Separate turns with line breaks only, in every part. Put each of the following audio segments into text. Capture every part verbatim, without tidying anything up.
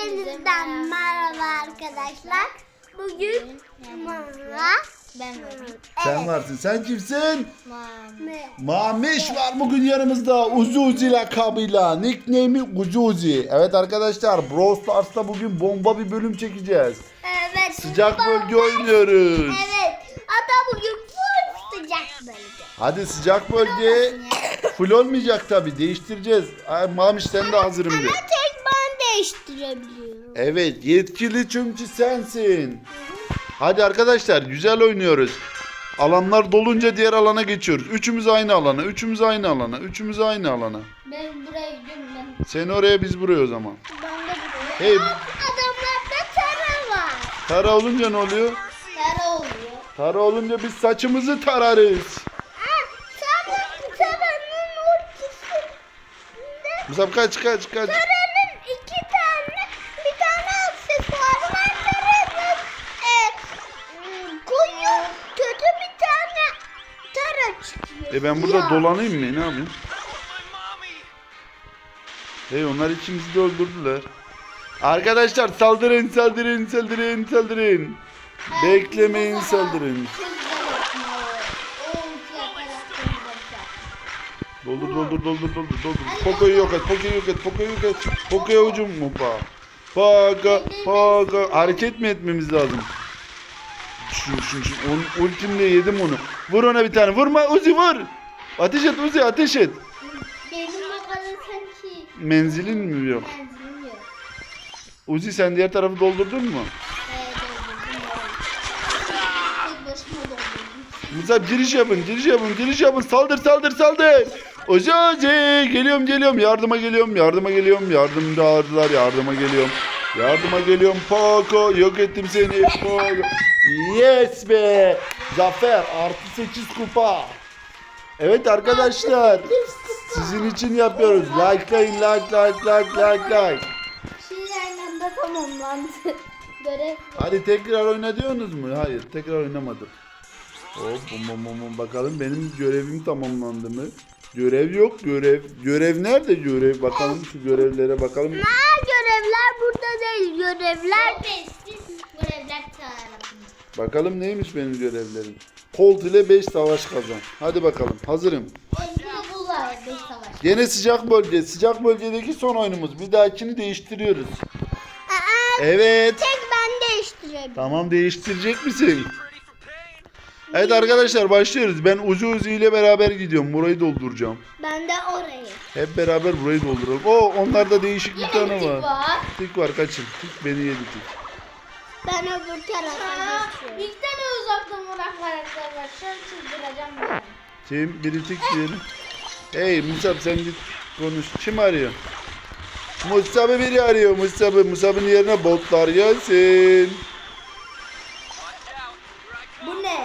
Hepinizden merhaba arkadaşlar. Bugün Mara
Ben varım.
Sen varsın. Sen kimsin?
ne?
Mamiş var bugün yanımızda. Uzi Uzi lakabıyla. Nickname'i Uzi Uzi. Evet arkadaşlar, Brawl Stars'ta bugün bomba bir bölüm çekeceğiz.
Evet.
Sıcak bölge oynuyoruz.
Evet. Hatta bugün full sıcak bölge.
Hadi sıcak bölge. Full olmayacak tabi. Değiştireceğiz. Ay, Mamiş sen de hazırım
Ama
de.
tek ben değiştirebiliyorum.
Evet, yetkili çünkü sensin. Hadi arkadaşlar, güzel oynuyoruz. Alanlar dolunca diğer alana geçiyoruz. Üçümüz aynı alana, üçümüz aynı alana, üçümüz aynı alana.
Ben buraya gidiyorum ben.
Sen oraya, biz buraya o zaman.
Ben de buraya.
Hey,
Adamlarda tara var.
tara olunca ne oluyor?
Tara oluyor.
Tara olunca biz saçımızı tararız.
Ha, tara, taranın ortasında
Musab kaç kaç kaç.
taranın iki tane, bir tane aksesuar var. Taranın e, m, koyu kötü bir tane tara çıkıyor.
E ben burada
Ya.
dolanayım mı? Ne yapayım? Hey, onlar ikimizi de öldürdüler. Arkadaşlar saldırın saldırın saldırın saldırın. Beklemeyin, saldırın. Doldur doldur doldur doldur doldur. Poco'yu yok et, Poco'yu yok et, Poco'yu yok et. Poco'ya hücum mu pa? Poco, Poco. Hareket mi etmemiz lazım? Şu şu şu. Onun ultimle yedim onu. Vur ona bir tane. Vurma Uzi, vur. Ateş et Uzi, ateş et.
Benim bakalım sanki
Menzilin mi yok?
benzinim yok.
Uzi, sen diğer tarafı doldurdun mu?
Evet doldurdum. Tek başıma doldurdum.
Musab giriş yapın, giriş yapın, giriş yapın. Saldır, saldır, saldır. Uzi, Uzi. Geliyorum, geliyorum. Yardıma geliyorum, yardıma geliyorum. Yardım çağırdılar, yardıma geliyorum. Yardıma geliyorum. Poco, yok ettim seni. Poco. Yes be. Zafer, artı sekiz kupa. Evet arkadaşlar. Sizin için yapıyoruz. Likelayın, like, like, like, like, like.
Şey aynı anda tamamlandı. Görev.
Hadi tekrar oyna diyorsunuz mu? Hayır, tekrar oynamadık. Hop, bum bum bum bum. Bakalım benim görevim tamamlandı mı? Görev yok, görev. Görev nerede görev? Bakalım şu görevlere bakalım.
Ha, görevler burada değil. Görevler
Görevler tarafında.
Bakalım neymiş benim görevlerim. Colt ile beş savaş kazan. Hadi bakalım, hazırım.
Şimdi bu var beş savaş.
Gene sıcak bölge. Sıcak bölgedeki son oyunumuz. Bir dahakini değiştiriyoruz.
Aa,
Evet.
tek ben değiştirebilirim.
Tamam, değiştirecek misin? Evet arkadaşlar, başlıyoruz. Ben Uzi Uzi ile beraber gidiyorum. Burayı dolduracağım.
Ben de orayı.
Hep beraber burayı dolduralım. Oo, onlarda değişik bir tane
Tik
var.
var.
Tik var, kaçın. Tik beni yedi tik.
Ben öbür tarafa
Aa,
geçiyorum.
bir tane uzaktan vuran karakter var. Şu an çıldıracağım ben.
Kim? Biri tik diyelim. Hey Musab, sen git konuş. Kim arıyor? Musab'ı biri arıyor. Musab'ı. Musab'ın yerine botlar gelsin.
Bu ne?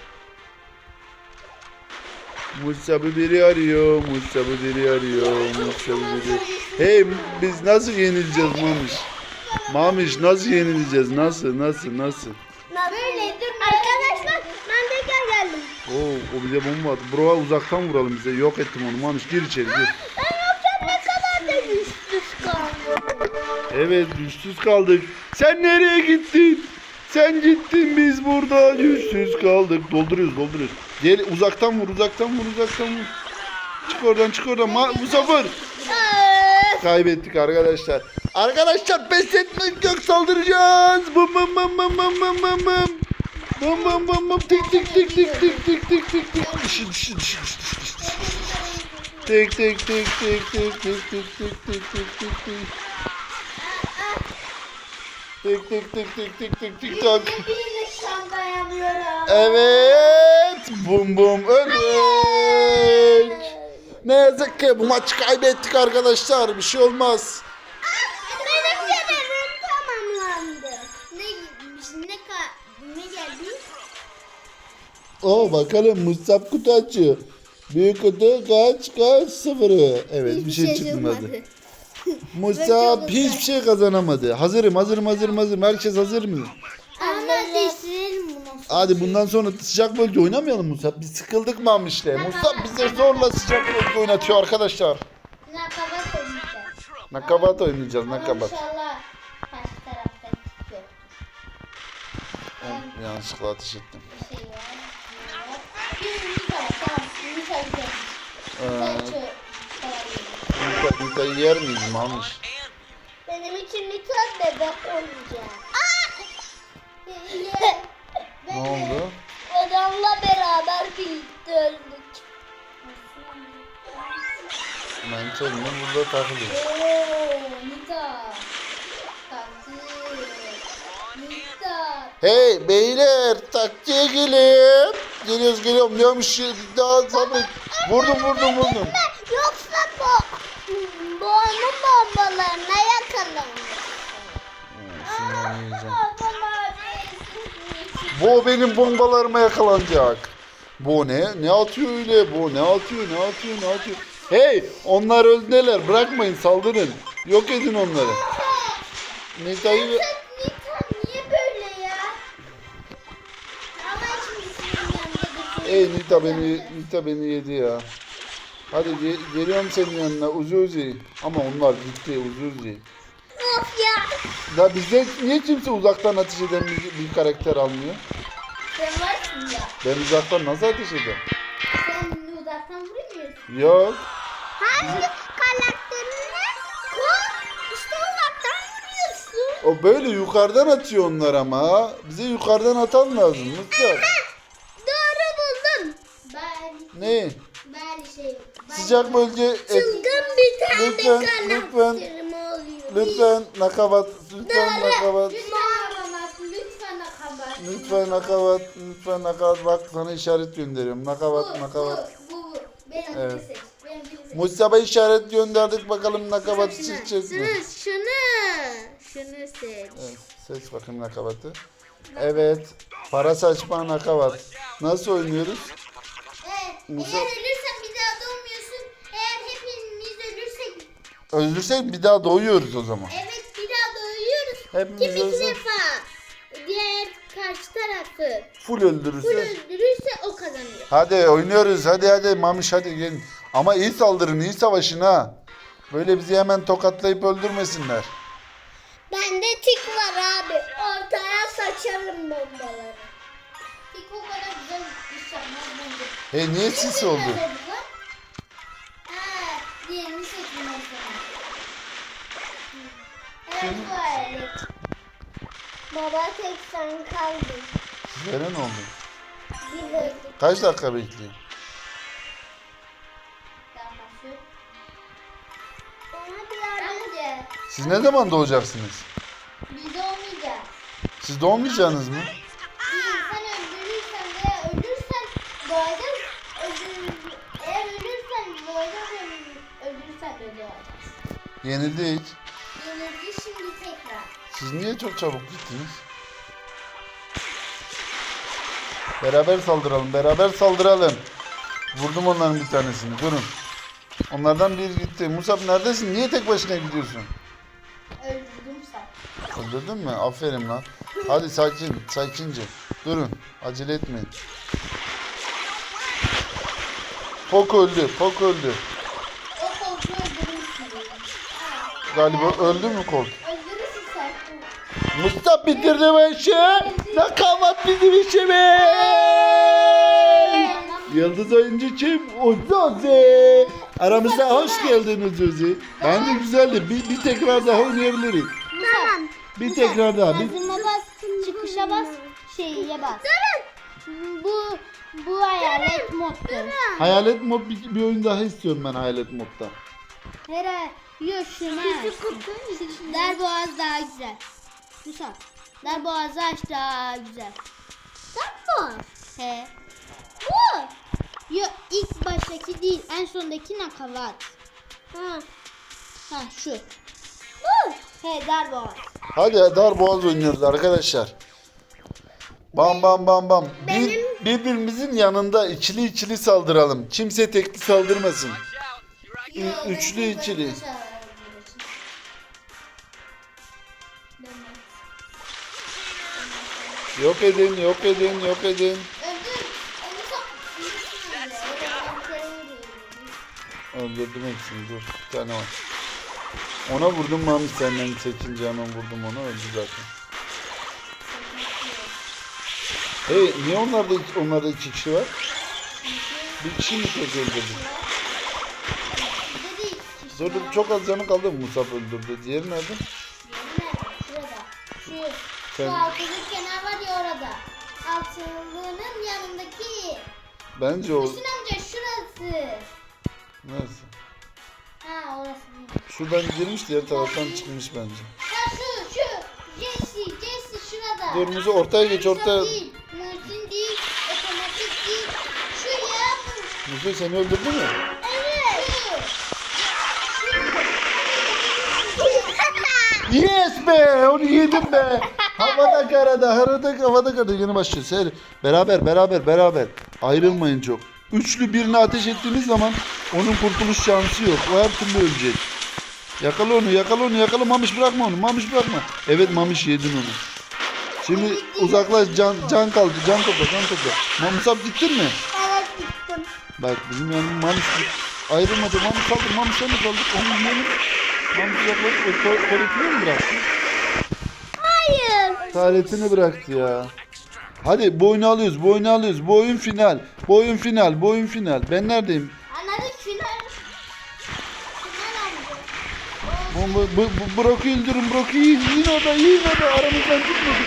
Musab'ı biri arıyor. Musab'ı biri arıyor. Musab'ı biri. Hey, biz nasıl yenileceğiz Mamiş? Mamiş, nasıl yenileceğiz? Nasıl? Nasıl? Nasıl?
Böyle dur.
Arkadaşlar ben tekrar geldim.
Oo, o bize bomba attı. Bro, uzaktan vuralım bize. Yok ettim onu. Mamiş, gir içeri gir.
Ben yokken ne kadar da güçsüz kaldım.
Evet, güçsüz kaldık. Sen nereye gittin? Sen gittin, biz burada güçsüz kaldık. Dolduruyoruz, dolduruyoruz. Gel, uzaktan vur, uzaktan vur, uzaktan vur. Çık oradan, çık oradan. Ma bu sefer kaybettik arkadaşlar. Arkadaşlar, pes etmek yok, saldıracağız. Bum bum bum bum bum bum bum bum. Bum bum bum bum. Tik tik tik tik tik tik tik tik tik. Dışı dışı dışı dışı dışı dışı dışı. Tik tik tik tik tik tik tik tik tik tik tik tik. Tik tik tik tik tik tik tik tak.
Birine şu an dayanıyorum.
Evet. Bum bum öldük. Ne yazık ki bu maçı kaybettik arkadaşlar. Bir şey olmaz.
Benim görevim tamamlandı.
Ne ne ka ne geldi?
Oo, bakalım Musab kutu açıyor. Büyük kutu kaç kaç sıfırı. Evet, bir şey çıkmadı. Musab hiçbir şey kazanamadı. Hazırım hazırım hazırım hazırım. Herkes hazır mı?
Ama değiştirelim bunu.
Hadi bundan sonra sıcak bölge oynamayalım Musab. Biz sıkıldık Mamiş'le. Musab bize zorla sıcak bölge oynatıyor arkadaşlar.
Nakabat oynayacağız.
Nakabat oynayacağız, nakabat.
İnşallah.
Ben yanlışlıkla ateş ettim.
Bir şey var. Bir Nita var. Tamam. Nita güzel.
Ee,
Nita çok kolay.
Nita, Nita'yı yer miyiz Mamiş?
Benim için lütfen bebek olacak.
Ne oldu?
Adamla beraber birlikte öldük.
Ben kendime burada takılıyorum.
Ooo Nita. Tatlı. Nita.
Hey beyler taktiğe gelin. Geliyoruz geliyorum diyormuş. Daha sabret. Vurdum vurdum vurdum.
Yoksa bu, bu onun bombalarına yakalanır.
Şundan yiyeceğim. Bu benim bombalarıma yakalanacak. Bu ne? Ne atıyor öyle? Bu ne atıyor? Ne atıyor? Ne atıyor? Hey! Onlar öldüler. Bırakmayın saldırın. Yok edin onları. Nita'yı...
Nita niye böyle ya? Ama şimdi senin yanında bir
Ey Nita beni, Nita beni yedi ya. Hadi ge- geliyorum senin yanına Uzi Uzi. Ama onlar gitti Uzi Uzi.
Of ya.
Ya bizde niye kimse uzaktan ateş eden bir, bir karakter almıyor?
Sen varsın ya.
Ben uzaktan nasıl ateş ederim?
Sen uzaktan vuramıyorsun.
Yok.
Hangi karakterine? Koy. İşte uzaktan vuruyorsun.
O böyle yukarıdan atıyor onlar ama. Bize yukarıdan atan lazım. Mustafa.
Doğru buldun.
Ben,
Ne?
ben şey. Ben
Sıcak bölge et.
Çılgın bir tane
Lütfen,
karakterim oluyor.
Lütfen nakavat. Lütfen nakavat.
Lütfen nakabat, lütfen nakabat.
Lütfen nakavat. Lütfen nakavat. Bak sana işaret gönderiyorum. Nakavat
Bu,
nakavat.
bu, bu, bu. Benim
Evet.
evet. seç. Benim seç.
Mustafa işaret gönderdik bakalım nakavat
Şunu,
çizeceğiz mi?
şunu, şunu, şunu seç.
Evet, seç bakayım nakavatı. Evet. Para saçma nakavat. Nasıl oynuyoruz?
Evet.
Musa-
Eğer ölürsen bir daha doğmuyorsun. Eğer hepimiz ölürsek
Öldürsek bir daha doğuyoruz o zaman.
evet bir daha doğuyoruz.
Hepimiz
Kim iki
ölsek
defa diğer karşı tarafı
full
full
öldürürse.
öldürürse o kazanıyor.
Hadi oynuyoruz. Hadi hadi Mamiş hadi gelin. Ama iyi saldırın, iyi savaşın ha. Böyle bizi hemen tokatlayıp öldürmesinler.
Bende tik var abi. Ortaya saçarım bombaları.
Tik o kadar güzel iş yapmaz bence.
Hey niye sis oldu?
Ha, diğerini seçtim o zaman.
Evet bu alet. Baba tek sen kaldın.
Sizlere ne oldu?
Biz öldük.
Kaç dakika bekliyor?
Daha başlıyor.
Ona bir yardım.
Bence
Siz ne zaman doğacaksınız?
biz olmayacağız.
Siz doğmayacaksınız mı?
Bir insan öldürürsen veya ölürsen doğacağız. Öldür, eğer ölürsen doğacağız, öldür- öldürürsen de doğacağız.
Yenildik.
Yenildi şimdi tekrar.
Siz niye çok çabuk gittiniz? Beraber saldıralım, beraber saldıralım. Vurdum onların bir tanesini, durun. Onlardan biri gitti. Musab neredesin? Niye tek başına gidiyorsun?
Öldürdüm sen.
Öldürdün mü? Aferin lan. Hadi sakin, sakince. Durun, acele etmeyin. Pok öldü, Pok öldü.
O koltuğu öldürürsün.
Galiba öldü mü Colt?
Öldürürsün sen.
Mustafa bitirdi bu işi. Nakavat bizim işimiz. Yıldız oyuncu kim? Uzuzi. Aramıza hoş geldiniz Uzuzi. Bence güzeldi. Bir, bir tekrar daha oynayabiliriz.
Tamam.
Bir tekrar daha. Bir...
Hazırma bas, çıkışa bas, şeyye bas. Bu bu hayalet moddur.
Hayalet mod bir, bir oyun daha istiyorum ben hayalet modda.
Hera, yok şuna. Darboğaz daha güzel. Musa, Darboğaz'ı aç daha güzel.
Tamam.
He.
Bu.
Yok ilk baştaki değil, en sondaki nakavat.
Ha.
Ha şu.
Bu.
He Darboğaz.
Hadi dar boğaz oynuyoruz arkadaşlar. Bam bam bam bam. Bir,
Benim-
birbirimizin yanında ikili ikili saldıralım. Kimse tekli saldırmasın. Ü-
Yok, ben
üçlü
tek
ikili.
başına çağırıyorum için. Ben-
Yok edin, yok edin, yok edin.
Öldür. Onu sa- öyle, öyle ben seni
Öldürdüm hepsini dur. Bir tane var. Ona vurdum Mami senden seçince hemen vurdum onu öldü zaten. Hey niye onlarda, onlarda iki kişi var? Bir kişi mi tek öldürdü?
Bizde de iki kişi
Dur dur
var.
çok az canı kaldı Musab öldürdü. Diğeri nerede?
Nerede? Şurada. Şu,
Sen-
şu altılık kenar var ya orada. Altılığının yanındaki.
Bence o...
Hüsnü amca şurası.
Neresi?
Ha orası değil.
Şuradan girmiş diğer taraftan çıkmış bence.
Ha şu şu. Jesse Jesse şurada.
Dur Musa ortaya geç ortaya.
Musa değil. Muhsin değil. Otomatik değil. Şu ya. bu.
Musa seni öldürdü mü?
Evet.
Yes be onu yedim be. Havada karada harada havada karada yeni başlıyoruz. Her beraber beraber beraber ayrılmayın çok. Üçlü birini ateş ettiğiniz zaman onun kurtuluş şansı yok. O her türlü ölecek. Yakala onu yakala onu yakala Mamiş bırakma onu Mamiş bırakma. Evet Mamiş yedin onu. Şimdi uzaklaş can can kaldı can topla can topla. Mamusab gittin mi?
Evet gittim.
Bak bizim yanım Mamiş ayrılmadı. Mamiş kaldı Mamiş'e mi kaldık? Onu yiyelim. Mamiş uzaklaş. O tuvaletini mi bıraktı?
Hayır.
Taletini bıraktı ya. Hadi bu oyunu alıyoruz, bu oyunu alıyoruz. Bu oyun final. Bu oyun final, bu oyun final. Ben neredeyim?
Anladık final. Final amca.
Bu, bu, bu, bu Brock'u öldürün, Brock'u yiyin. Yiyin orada, yiyin orada. Aramızdan tutmasın.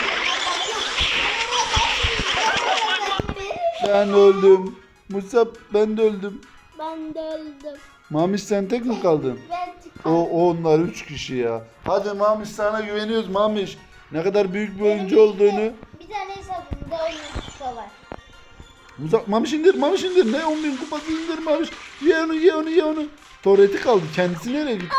Ben öldüm. Musab ben de öldüm.
Ben de öldüm.
Mamiş sen tek mi kaldın?
Ben
O, o onlar üç kişi ya. Hadi Mamiş sana güveniyoruz Mamiş. Ne kadar büyük bir oyuncu olduğunu.
Bir tane hesabımda on kupa var.
Musa, Mamiş indir, Mamiş indir. Ne on bin kupası indir Mamiş. Ye onu, ye onu, ye onu. Torreti kaldı. Kendisi nereye gitti?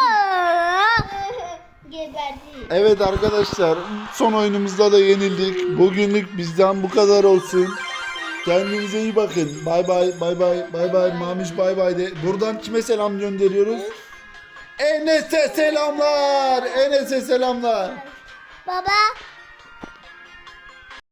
Geberdi.
Evet arkadaşlar son oyunumuzda da yenildik. Bugünlük bizden bu kadar olsun. Kendinize iyi bakın. Bay bay bay bay bay bay Mamiş bay bay de. Buradan kime selam gönderiyoruz? Enes'e selamlar. Enes'e selamlar.
Baba